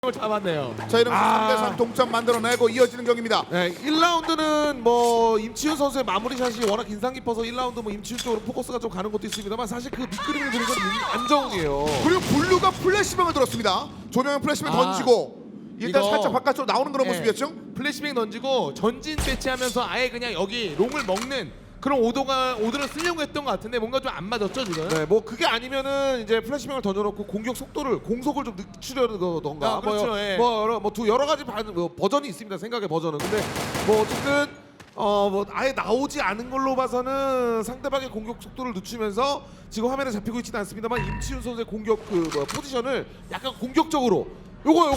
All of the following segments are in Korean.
을 잡았네요. 자, 이러면서 3대3 동점 만들어내고 이어지는 경기입니다. 네, 1라운드는 뭐 임치훈 선수의 마무리샷이 워낙 인상 깊어서 1라운드 뭐 임치훈 쪽으로 포커스가 좀 가는 것도 있습니다만 사실 그 밑그림을 그린 건 안정이에요. 그리고 블루가 플래시뱅을 들었습니다. 조명현 플래시뱅 던지고 일단 이거- 살짝 바깥으로 나오는 그런 네. 모습이었죠. 플래시뱅 던지고 전진 배치하면서 아예 그냥 여기 롱을 먹는 그런 오더를 쓰려고 했던 것 같은데 뭔가 좀 안 맞았죠 지금. 네, 뭐 그게 아니면은 이제 플래시뱅을 던져놓고 공격 속도를 공속을 좀 늦추려는 거던가. 아, 그렇죠, 예. 여러 가지 버전이 있습니다. 생각의 버전은. 근데 뭐 어쨌든 뭐 아예 나오지 않은 걸로 봐서는 상대방의 공격 속도를 늦추면서 지금 화면에 잡히고 있지는 않습니다만 임치훈 선수의 공격 포지션을 약간 공격적으로 요거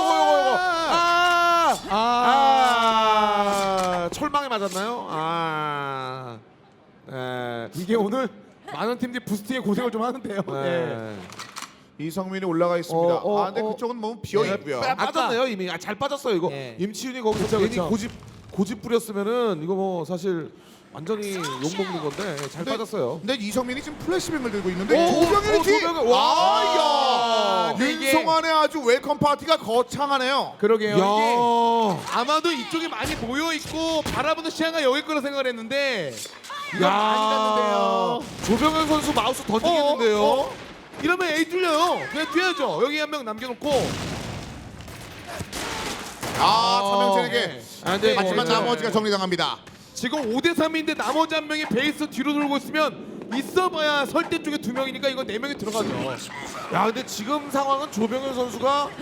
철망에 맞았나요? 네. 이게 오늘 많은 팀들이 부스팅에 고생을 좀 하는데요. 네. 네. 이성민이 올라가 있습니다. 근데 어. 그쪽은 뭐 비어 있고요. 빠졌네요 이미. 잘 빠졌어요 이거. 예. 임치훈이 거기서 그쵸, 괜히 그쵸. 고집 부렸으면은 이거 뭐 사실 완전히 욕 먹는 건데 잘 근데- 빠졌어요. 근데 이성민이 지금 플래시뱅을 들고 있는데 오, 조병현이 뒤. 조병현. 와. 야, 근데 이게- 윤성환의 아주 웰컴 파티가 거창하네요. 그러게요. 이게 야. 아마도 이쪽에 많이 모여 있고 바라보는 시야가 여기 거라 생각을 했는데 이거 야. 많이 갔는데요. 조병현 선수 마우스 던지겠는데요. 이러면 A 뚫려요. 그냥 뛰어야죠. 여기 한 명 남겨놓고. 차명철에게. 근데 하지만 뭐, 나머지가 정리당합니다. 지금 5대3인데 나머지 한 명이 베이스 뒤로 돌고 있으면 있어봐야 설대 쪽에 2명이니까 이거 4명이 들어가죠. 야 근데 지금 상황은 조병현 선수가